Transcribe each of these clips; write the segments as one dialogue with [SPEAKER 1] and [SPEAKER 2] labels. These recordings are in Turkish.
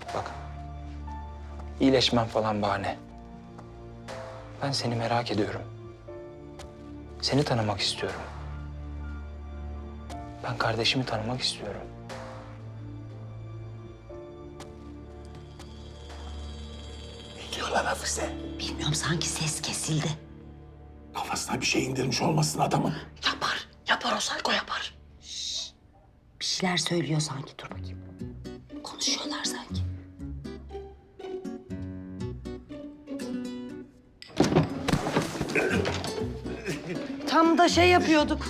[SPEAKER 1] Bak, iyileşmem falan bahane. Ben seni merak ediyorum. Seni tanımak istiyorum. Ben kardeşimi tanımak istiyorum.
[SPEAKER 2] Ne diyorlar Hafize?
[SPEAKER 3] Bilmiyorum, sanki ses kesildi.
[SPEAKER 2] Kafasına bir şey indirmiş olmasın adamın.
[SPEAKER 3] Yapar. Yapar, o Sayko yapar. Şşş. Bir şeyler söylüyor sanki. Dur bakayım. Konuşuyorlar sanki. Tam da şey yapıyorduk.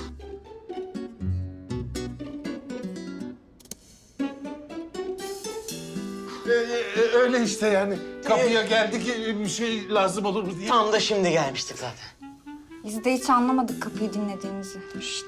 [SPEAKER 2] Öyle işte yani. Kapıya geldik, bir şey lazım olur mu diye.
[SPEAKER 4] Tam da şimdi gelmiştik zaten.
[SPEAKER 5] Biz de hiç anlamadık kapıyı dinlediğinizi.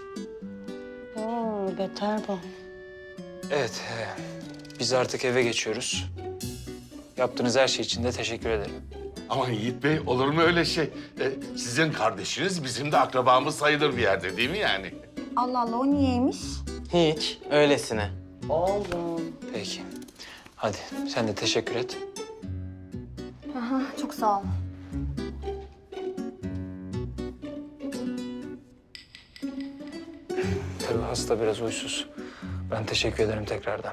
[SPEAKER 3] Oo, beter bu.
[SPEAKER 1] Evet, biz artık eve geçiyoruz. Yaptığınız her şey için de teşekkür ederim.
[SPEAKER 2] Aman Yiğit Bey, olur mu öyle şey? Sizin kardeşiniz bizim de akrabamız sayılır bir yerde değil mi yani?
[SPEAKER 5] Allah Allah, o niyeymiş?
[SPEAKER 4] Hiç, öylesine.
[SPEAKER 3] Oğlum.
[SPEAKER 1] Peki. Hadi sen de teşekkür et.
[SPEAKER 5] Aha, çok sağ ol.
[SPEAKER 1] Tabii hasta biraz huysuz. Ben teşekkür ederim tekrardan.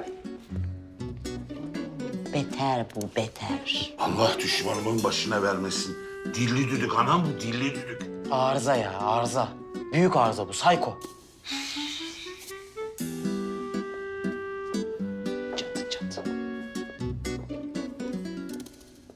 [SPEAKER 3] Beter bu, beter.
[SPEAKER 2] Allah düşmanımın başına vermesin. Dilli düdük anam bu, dilli düdük.
[SPEAKER 4] Arıza ya, arıza. Büyük arıza bu, Sayko.